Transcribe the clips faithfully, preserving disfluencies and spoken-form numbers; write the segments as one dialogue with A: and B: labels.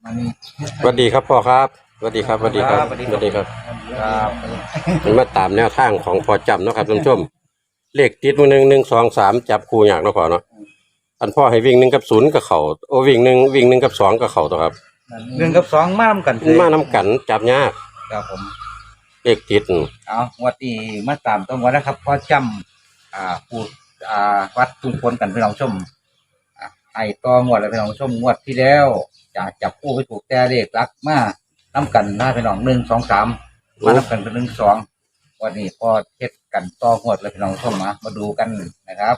A: อันนี้
B: สวัสดีครับพ่อครับสวัสดีครับสวัสดีครับสวัสดีครับมันมาตามแนวทางของพอจำเนาะครับท่านผู้ชมเลขติดมือหนึ่งหนึ่งสองสามจับคู่อย่างเนาะพ่อเนาะอันพ่อให้วิ่งหนึ่งกับศูนย์กับเข่าโอ้วิ่งหนึ่งวิ่งหนึ่งกับสองกับเข่าตัวครับ
A: หนึ่งกับสองมาทำกัน
B: มาน้ำกันจับยาก
A: ครับผม
B: เลขติด
A: เอาวัดนี้มาตามตรงวันนะครับพอจำอ่าพูดอ่าวัดทุงพลกันพี่น้องชมไอ้ต่องวดแล้วพี่น้องชมงวดที่แล้วจะจับคู่ไปถูกแต่เลขรักมาน้ำกันหน้าพี่น้องหนึ่งสองสามมาน้ำกันเป็นหนึ่งสองวันนี้พอเทศกันต่องวดแล้วพี่น้องชมมามาดูกันนะครับ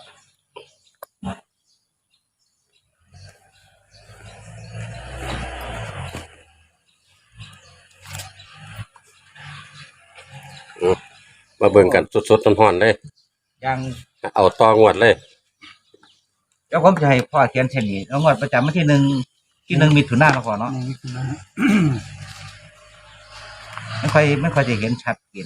B: มาเบิ่งกันสดๆร้อนๆเลย
A: ยัง
B: เอาต่องวดเลย
A: แล้วผมจะให้พ่อเขียนเช่นนี้แล้วงวดประจำวันที่หนึ่งที่หนึ่งมีถุนหน้าเราก่อนเนาะไม่ค่อยไม่ค่อยจะเห็นชัดเจน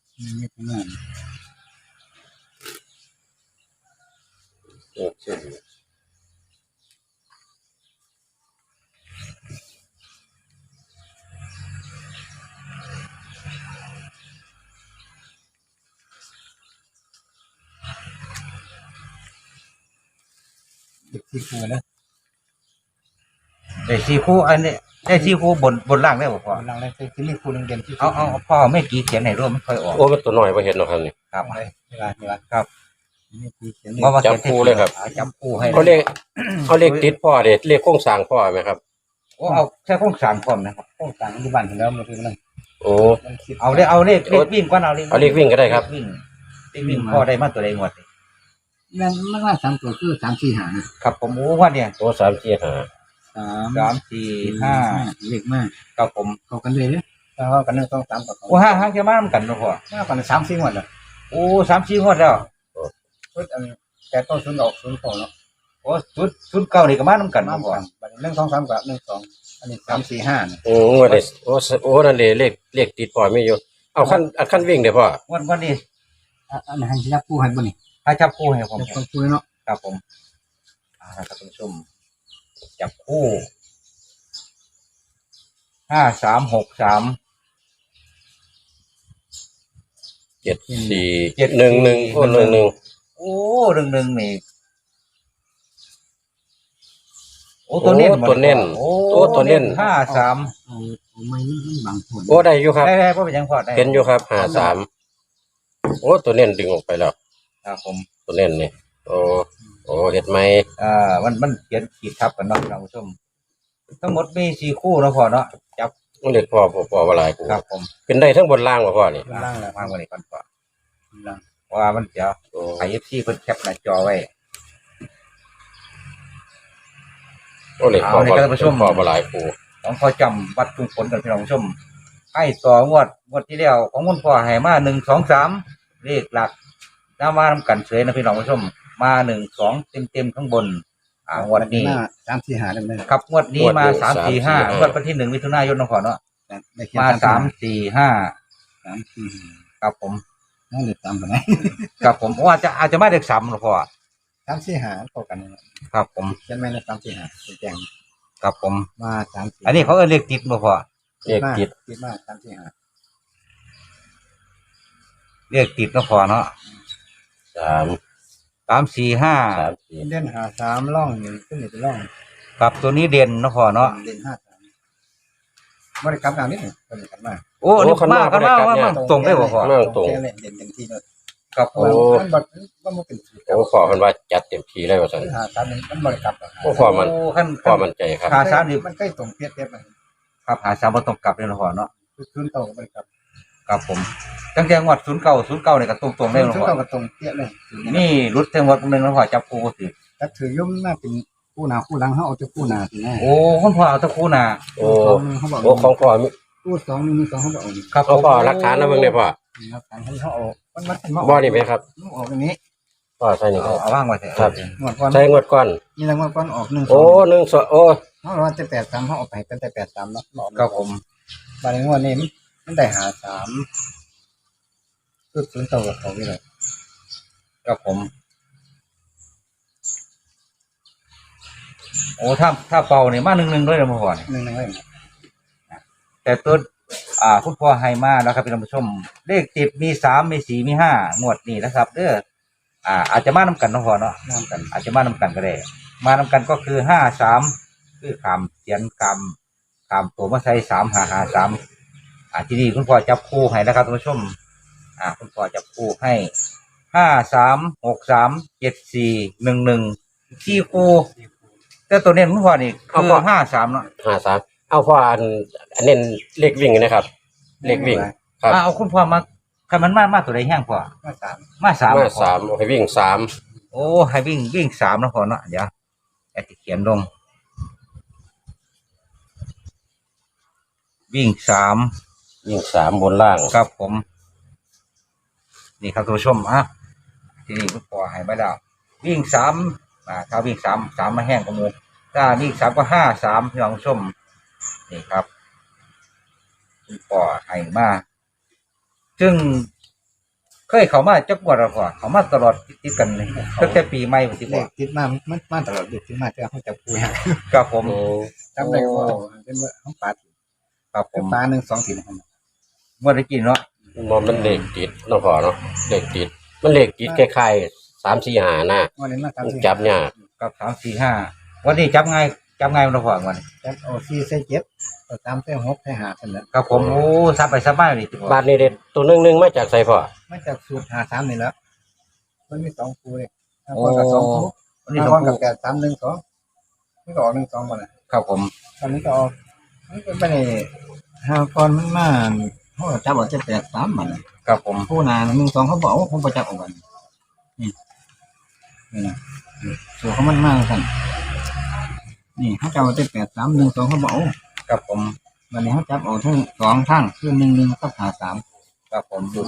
C: สี่คู่นะ
A: ได้สี่คู่อันนี้ได้สี่คู่บนบนล่างได้บ่พ่อ
C: หลังเลยคือเลขคู่หนึ่งเด่นที่
A: เอาเอาพ่อไม่กี่เขียนให้ร่วมไม่ค่อยออก
B: โอ้มันตัวน้อยไปเห็นเนาะครับนี่
A: ครับ
C: เวลาเวลา
A: ครับ
B: จับคู่เลยครับ
A: จับคู่ให้
B: เขาเลขเขาเลขติดพ่อเด็ดเลขโค้งสร้างพ่อไหมครับ
A: โอ้เอาแค่โครงสร้างพร้อมนะครับ
C: โค้งต่างที่บ้านถึงแล้วมันคือมัน
B: โอ้
A: เอาเลขเอาเลขเลขวิ่งก่อนเอาเลข
B: เอาเลขวิ่งก็ได้ครับ
A: วิ่งเลขวิ่งพ่อได้มาตัวใดงวด
C: มันมันว่าสามตัวคือสามสี่หา
A: ครับผมโอ้ว่าเนี่ย
B: โอ้สามสี่ห้า
A: สามสามสี่ห้า
C: เลขมาก
A: ครับผม
C: เข้ากันเลยเนี่ยเข้ากันหนึ่งสองสามกับ
A: โอ้ห้าห้าจะมาทำกันเนาะพ่อ
C: มากันสามสี่งวดแล้ว
A: โอ้สามสี่งวดแล้ว
C: ชุดอันแต่ต้นศูนย์ออกศูนย์สองเนาะ
A: โอ้ชุดชุดเก่านี่ก็มาทำกัน
C: มาก่อนหนึ่งสองสามกับหนึ่งสองอันนี้สามสี่ห้า
B: โอ้งวดนี้โอ้โอ้นั่นเลยเลขเลขติดพ่อไม่อยู่เอาขั้นอันขั้นวิ่งเดี๋ยวพ่อ
A: วันวันนี้
C: อันไหนให้จับคู่ให้บ่นี่
A: ให้จับคู่ให้ผม
C: จับคู่เนาะ
A: ครับผมอ่าครับคุณผู้ชมจับคู่ห้าสามหกสาม
B: เจ็ดสี่เจ็ดหนึ่งหนึ่งโอ้หนึ่งหนึ่ง
A: โอ้หนึ่งหนึ่งนี่โอ้ตัวเน้น
B: ตัวเน้นโอ้ตัวเน้น
A: ห้าสาม
C: ไม่บางคน
B: โอ้ได้อยู่ครับ
A: ได้ได้เพราะเป็นยังพอได้
B: เห็นอยู่ครับห้าสามโอ้ตัวเน้นดึงออกไปแล้ว
A: ครับผม
B: ตัวเน้นนี่โอ้โอ้เห็ดไหม
A: อ่ามันมันเขียนขีดทับกันเนาะท่านผู้ชมทั้งหมดมีสี่คู่เนาะพ่อเนาะจับ
B: มันเด็ดพ่อพ่อพ่อว่าหลายคู่
A: ครับผม
B: เป็นได้ทั้งบนล่างว่าพ่อนี่
A: ล่างแล้วมากกว่านี้ก่อนพ่อว่ามันจะไอเอฟซีเพิ่นแคปหน้าจอไว้
B: โอ้เลยพ่อพ่อพ่อว่าหลายคู่
A: ของพ่อจำวัดทุงผลกันพี่น้องผู้ชมให้ต่องวดงวดที่แล้วของคุณพ่อให้มาหนึ่งสองสามเลขหลักน้ามาทำกันเฉยนะพี่น้องผู้ชมมาหนึ่งสองเต็มเต็มข้างบนอ่างวดนี้
C: สามสี่ห้าเลย
A: ครับงวดนี้มาสามสี่ห้างวดวันที่หนึ่งมิถุนายนนะพ่อเนาะมาสามสี่ห้า
C: สามสี่
A: ครับผม
C: นั่นเลขสามกันไหน
A: ครับผมว่าจะอาจจะไม่เลขสามหรอกพ่อ
C: สามสี่ห้าเข้ากัน
A: ครับผม
C: ใช่ไหมนะสามสี่ห้าเป็นแจง
A: ครับผม
C: มาสามสี่
A: อันนี้เขาเออเลขติดบ่พ่อ
B: เลขติด
C: ติดมากสามสี่ห้า
A: เลขติดนะพ่อเนาะ
B: สาม
A: สามสี่ห้า
C: เด่นหาสามล่องหนึ่งขึ้นหนึ่งเป็นล่อง
A: ครับตัวนี้เด่นนะพ่อเนาะ
C: เด่นห้าสามบริกรรมงานนิดหนึ่งบริกรรมมาก
A: โอ้นี่มากกันมากมากตรงได้บ่พ่อ
B: ตรง
C: เด่นเด่นเต็มที่เลย
A: ครับโอ้
C: มันบัดมันมันเป็น
B: โอ้พ่อมันว่าจัดเต็มที่เลยว่าซั่น
C: หาสามนึงมันบริกรรม
B: โอ้พ่อมันพ่อมันใจครับ
A: หาสามนี่
C: มันใกล้ตรงเพี้ยเพี้ยมัน
A: ครับหาสามบ่ตรงกลับเลยนะพ่อเนาะ
C: ศูนย์เก้าบริกรรม
A: ครับผมตั้งแต่งวดศูนย์เก้าศูนย์เก้าเนี่ยก็ตรงตรงได้หรอ
C: ศูนย์เก้าก็ตรงเพี้ยเลย
A: นี่รุดแต่งวดนึงแล้วพ่อจับคู่ก็ถือ
C: ถ้าถือย่อมน่าเป็นคู่หนาคู่หลังเขาเอาจะคู่หนาสิแน่
A: โอ้คุณพ่อเอาตะคู่หนา
B: โอ้โอ้ของพ่อ
C: คู่สองมีสองเขาบอก
B: ครับพ่อหลักฐานนะเบิ่งได้พ่อ
C: หลักฐานเขาเอามันมัน
B: บ่นี่ไหมครับ
C: ออกอย่างนี้
B: พ่อใช่นี่ครับ
A: เอาว่างไว้เถอะ
B: ครับใช่งวดก่อน
C: นี่ละงวดก่อนออกหนึ่ง
B: โอ้หนึ่งสองโอ้
C: เขาเราจะแปดสามเขาออกไปเป็นแต่แปดสามเนาะ
A: ครับผม
C: บางงวดนี้มันได้หาสามคือศูนย์เก้ากับเขาไปเลย
A: ครับผมโอ้ถ้าถ้าเป่าเนี่ยมาหนึ่งหนึ่งด้วยนะพ่อเนี่ย
C: หนึ่งหนึ่งเลย
A: แต่ตัวอ่าคุณพ่อให้มาแล้วครับพี่ผู้ชมเลขติดมีสามมีสี่มีห้างวดนี้นะครับเด้ออ่าอาจจะมานำกันเนาะพ่อเนาะ
C: น้ำกัน
A: อาจจะมานำกันก็ได้มานำกันก็คือห้าสามคือขามเสียนกรรมขามตัวมาใส่สามห้าห้าสามอ่าที่นี่คุณพ่อจับคู่ให้นะครับท่านผู้ชมอ่าคุณพ่อจับคู่ให้ห้าสามหกสามเจ็ดสี่หนึ่งหนึ่งที่คู่แต่ตัวเนี้คุณพ่อนี่คือห้าสามเนาะ
B: ห้าสามเอาพ่ออันอันเน้นเลขวิ่งนะครับ เลขวิ่งครับ
A: อ่าเอาคุณพ่อมาใครมันมามาตัวใดแห้งพ่อ
C: มาสาม
A: มาสาม
B: มาสามเอาให้วิ่งสาม
A: โอ้ให้วิ่งวิ่งสามนะพ่อเนาะเดี๋ยวแอดเขียนลงวิ่งสาม
B: วิ่งสามบนล่าง
A: ครับผม นี่ครับท่านผู้ชมอ่ะที่นี่คุณพ่อให้มาแล้ววิ่งสามอ่าถ้าวิ่งสามสามมาแห้งกระมูถ้าวิ่งสามก็ห้าสามพี่น้องผู้ชมนี่ครับคุณพ่อให้มาซึ่งเคยเขามาจักงวดแล้วพ่อเขามาตลอดติดๆกันเลยตั้งแต่ปีใหม่ผมที่
C: เล
A: พ่อ
C: ขติดมามันมาตลอดเด็กติดมาแต่เขาจะพูด
A: ครับผม
B: โอ้
C: จำได้ว่าเป็นว่าเขาปาด
A: ครับผ
C: เป็น
A: ม
C: ปลาหนึ่งสองสี่นะครับ
A: เมื่อได้กินเนาะ
B: มันมันเลขติดเนาะพ่อเนาะเลขติด มันเลขติดคล้ายๆสามสี่หาหน้า
C: วันนี้มาทำ
B: จับยาก
A: กับสามสี่ห้าวันนี้จับไงจับไงมันพ่อวันนี้
C: จับเอาสี่ใส่เจ็ดเอาตามใส่หกใส่ห้าเท่านั้น
A: ครับผมโอ้ซับไปซับมาเลยที
B: บาทนี้เด็ดตัวหนึงหนึงมาจากไสพ่อ
C: ไม่จากสูตรหาสามนี่แล้วมันมีสองคู่เลยห้าคนกับสองคู่
A: วันนี้
C: ห้า
A: สอ
C: ค
A: ง
C: นกับ
A: คู่
C: แปดสามหนึ่งสองนี่ก็ออกหนึ่งสองหมดเลย
A: ครับผม
C: ตอนนี้ก็ออกนี่ก็ไม่ได้ห้าคนมันมาเขาก็จับออกจะแปดสามหมดเลย
A: ครับผม
C: คู่นาหนึ่งสองเขาบอกว่าผมประจับออกกันนี่นี่นะส่วนเขามันมากสั่นนี่เขาจับเอาได้แปดสามหนึ่งสองเขาบอก
A: ครับผม
C: วันนี้เขาจับเอาทั้งสองทั้งคือหนึ่งหนึ่งกับหาสาม
A: ครับผมดู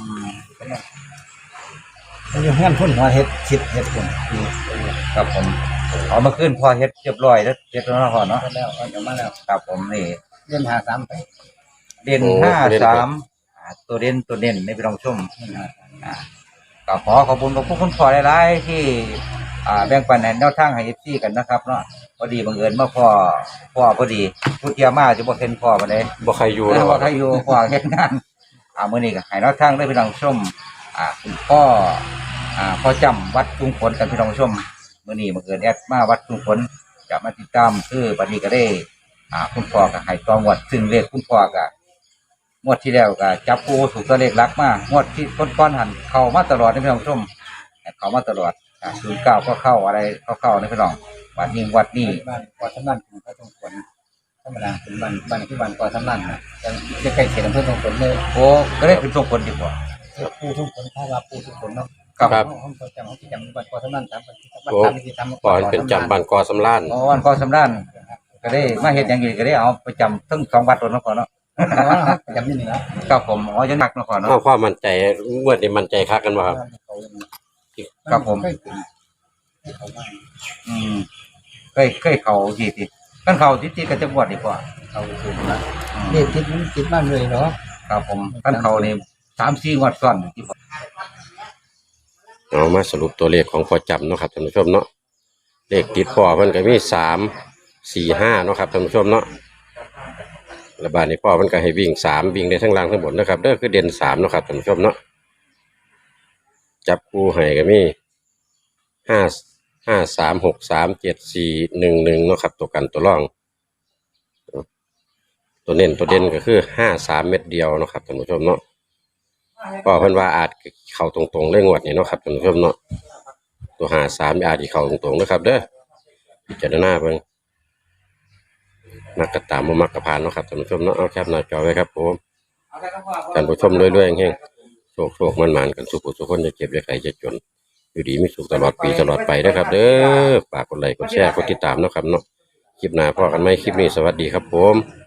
C: เขาจะเฮือนพุ่นหัวเห็ดคิดเห็ดพุ่น
A: ครับผมเอามาขึ้นพอเฮ็ดเรียบร้อยแล้วเฮ็ดแล้วนะพ่อเนาะ
C: เอาแล้วเอาเดี๋ยวมาแล้ว
A: ครับผมนี่
C: เล่นหาสามไป
A: เด่นห้าสามอ่าตัวเด่นตัวเด่นในพี่น้องชม
C: เล่นหาสาม
A: อ่าก็ขอขอบคุณกับพวกคุณพ่อหลายๆที่อ่าแบ่งปันแนวทางให้เอฟซีกันนะครับเนาะพอดีบังเอิญมาพ่อพ่อพอดีผู้เทียมาจะบ่เห็นพ่อมาเลย
B: บ่ใครอยู่
A: แล้
B: เนาะ
A: วว่าใครอยู่พ่อเฮ็ดงานอ่ามื้อนี้ก็ให้แนวทางได้พี่น้องชมอ่าคุณพ่ออ่าพ่อจำวัดจุงฝนกันพี่น้องชมมื้อนี้บังเอิญแอดมาวัดจุงฝนจะมาติดตามคือบัดนี้ก็ได้อ่าคุณพ่อก็ให้ตองวดซึ่งเลขคุณพ่อก็งวดที่แล้วก็จับปูถูกตัวเลขหลักมางวดที่ก้อนๆหันเข้ามาตลอดในพี่น้องชมเข้ามาตลอดอ่าศูนย์เก้าก็เข้าอะไรก็เข้าในพี่น้องวัดนี้วัดนี้
C: บ้านกอสำนันของพระทรงฝนธรรมดาเป็นบ้านบ้านที่บ้านกอสำนันนะจะจะใกล้เขียนอำเภอทรงฝนเลย
A: โอ้ก็ได้เป็นทรงผลดีกว่า
C: ผู้ทรงฝนถ้าว่าผู้ทรงฝนเนาะ
A: ครับ
C: ห้องประจำห้องที่จำบ้านกอสำนันสามบ้านที่บ้านสามที่ทำ
B: พ่อเป็นจำบ้านกอสำล้าน
A: อ๋อวันก่อสำรานก็ได้มาเฮ็ดอย่างอื่นก็ได้เอาไปจำทั้งสองวัดตัวนั้นก่อนเนาะ
C: ประจำนี่นี่นะ
A: ครับผมอ๋อยังหนักเนาะก่อนเนาะ
B: เอาความมั่นใจงวดนี้มั่นใจคักกันบ่ครับ
A: ครับผม
C: เขาไม่
A: อืมเคยเคยเขาทีทีกันเขาทีทีก็จะบวชดีกว่า
C: เขาสูงนะนี่ติดมันติดบ้านเลยเนาะ
A: ครับผมกันเขานี่สามสี่งวดซ้อนที่ผม
B: เอามาสรุปตัวเลขของพ่อจำเนาะครับท่านผู้ชมเนาะเลขติดพ่อมันก็มีสามสี่ห้าเนาะครับท่านผู้ชมเนาะระบาดนี้พ่อมันก็ให้วิ่งสามวิ่งได้ทั้งล่างทั้งบนนะครับเด้อคือเด่นสามเนาะครับท่านผู้ชมเนาะจับคู่ให้ก็มีห้าห้าสามหกสามเจ็ดสี่หนึ่งหนึ่งเนาะครับตัวกันตัวร่อง ตัวเน้นตัวเด่นก็คือห้าสามเม็ดเดียวเนาะครับท่านผู้ชมเนาะก็เพิ่นว่าอาจเข้าตรงๆเรื่องงวดนี้เนาะครับท่านผู้ชมเนาะตัวห้าสามอาจจะเข้าตรงๆนะครับเด้อพิจารณาเพิ่นมักกะตามบ่มักกะผ่านเนาะครับท่านผู้ชมเนาะเอาแคปหน้าจอไว้ครับผมท่านผู้ชมรวยๆแห่งๆโชคโชคมันๆกันสุขสุขคนจะเก็บจะไข่จะจนอยู่ดีมีสุขตลอดปีตลอดไปนะครับเด้อฝากกดไลค์กดแชร์กดติดตามเนาะครับเนาะคลิปหน้าพอกันไหมคลิปนี้สวัสดีครับผม